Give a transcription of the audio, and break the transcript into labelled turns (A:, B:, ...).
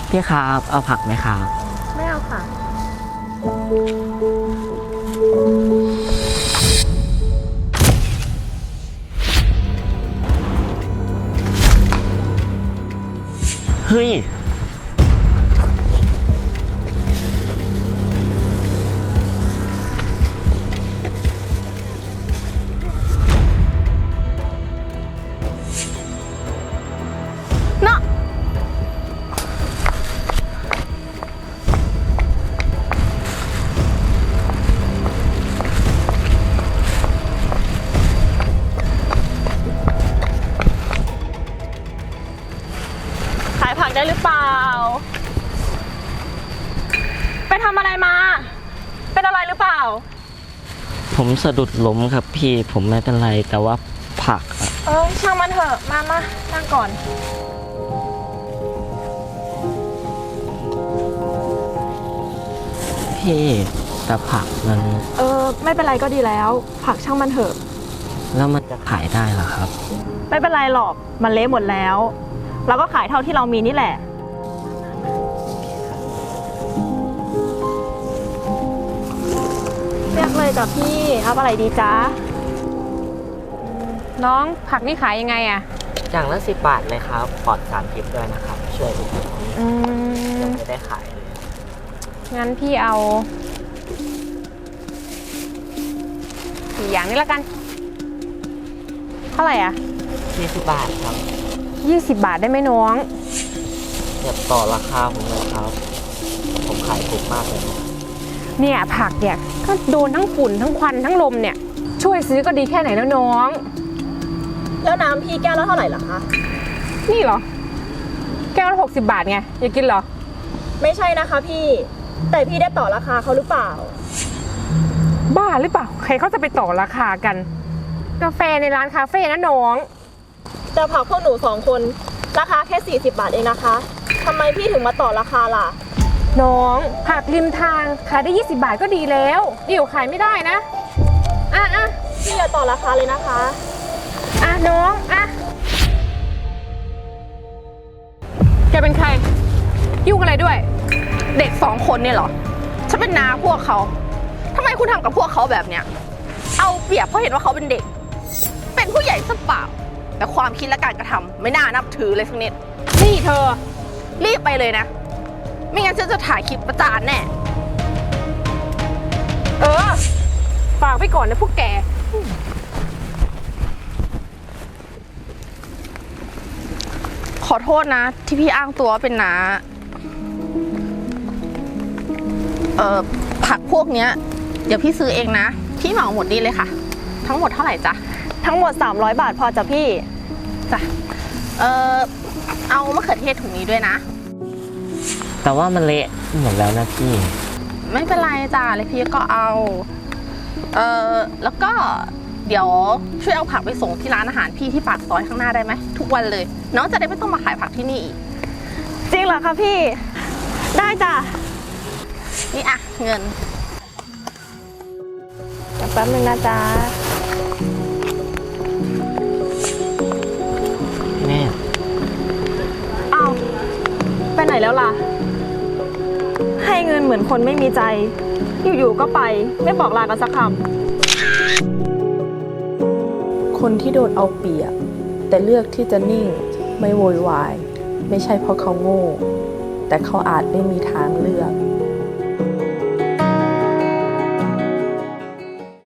A: พี่ครับเอาผักไหมครับ
B: ไม่เอาค่ะ
A: เฮ้ย
B: เนาะขายผักได้หรือเปล่าไปทำอะไรมาเป็นอะไรหรือเปล่า
A: ผมสะดุดล้มครับพี่ผมไม่เป็นไรแต่ว่าผักอะ
B: ช่างมันเถอะมานั่งก่อน
A: พี่แต่ผักมัน
B: ไม่เป็นไรก็ดีแล้วผักช่างมันเถอะ
A: แล้วมันจะขายได้เหรอครับ
B: ไม่เป็นไรหรอกมันเละหมดแล้วเราก็ขายเท่าที่เรามีนี่แหละเรียกเลยจ้ะพี่เอาอะไรดีจ๊ะน้องผักนี่ขายยังไงอะ
A: อย่างละ10 บาทเลยครับปลอดสารพิษด้วยนะครับช่วยดูยังไม่ได้ขายเลย
B: งั้นพี่เอา4 อย่างนี้ละกันเท่าไหร่อ่ะ
A: 20 บาทครับ
B: 20 บาทได้ไหมน้อง
A: อย่าต่อราคาผมเลยครับผมขายถูกมากเลย
B: เนี่ยผักเนี่ยก็โดนทั้งฝุ่นทั้งควันทั้งลมเนี่ยช่วยซื้อก็ดีแค่ไหนแล้วน้องแล้วน้ำพี่แก้วละเท่าไหร่ล่ะคะนี่เหรอแก้วละ60 บาทไงอยากกินเหรอไม่ใช่นะคะพี่แต่พี่ได้ต่อราคาเขาหรือเปล่าบ้าหรือเปล่าใครเขาจะไปต่อราคากันกาแฟในร้านคาเฟ่นะน้องแต่ผักพวกหนู2 คนราคาแค่40 บาทเองนะคะทำไมพี่ถึงมาต่อราคาล่ะน้องผักริมทางขายได้20 บาทก็ดีแล้วเดี๋ยวขายไม่ได้นะพี่อย่าต่อราคาเลยนะคะน้องแกเป็นใครยุ่งอะไรด้วยเด็ก2 คนเนี่ยเหรอฉันเป็นน้าพวกเขาทำไมคุณทำกับพวกเขาแบบเนี้ยเอาเปรียบเพราะเห็นว่าเขาเป็นเด็กเป็นผู้ใหญ่ซะเปล่าแต่ความคิดและการกระทำไม่น่านับถือเลยสักนิดนี่เธอรีบไปเลยนะไม่งั้นฉันจะถ่ายคลิปประจานแน่ฝากไปก่อนนะพวกแกขอโทษนะที่พี่อ้างตัวเป็นน้าผักพวกเนี้ยเดี๋ยวพี่ซื้อเองนะพี่เหมาหมดนี่เลยค่ะทั้งหมดเท่าไหร่จ๊ะทั้งหมด300 บาทพอจ้ะพี่จ้ะเอามะเขือเทศถุงนี้ด้วยนะ
A: แต่ว่ามันเละหมดแล้วนะพี่
B: ไม่เป็นไรจ้ะเลยพี่ก็เอาแล้วก็เดี๋ยวช่วยเอาผักไปส่งที่ร้านอาหารพี่ที่ปากซอยข้างหน้าได้ไหมทุกวันเลยน้องจะได้ไม่ต้องมาขายผักที่นี่อีกจริงเหรอคะพี่ได้จ้ะนี่อ่ะเงินแป๊บนึงนะจ๊ะ
A: แม่
B: เอาไปไหนแล้วล่ะให้เงินเหมือนคนไม่มีใจอยู่ๆก็ไปไม่บอกลากันสักค
C: ำคนที่โดนเอาเปรียบแต่เลือกที่จะนิ่งไม่โวยวายไม่ใช่เพราะเขาโง่แต่เขาอาจไม่มีทางเลือก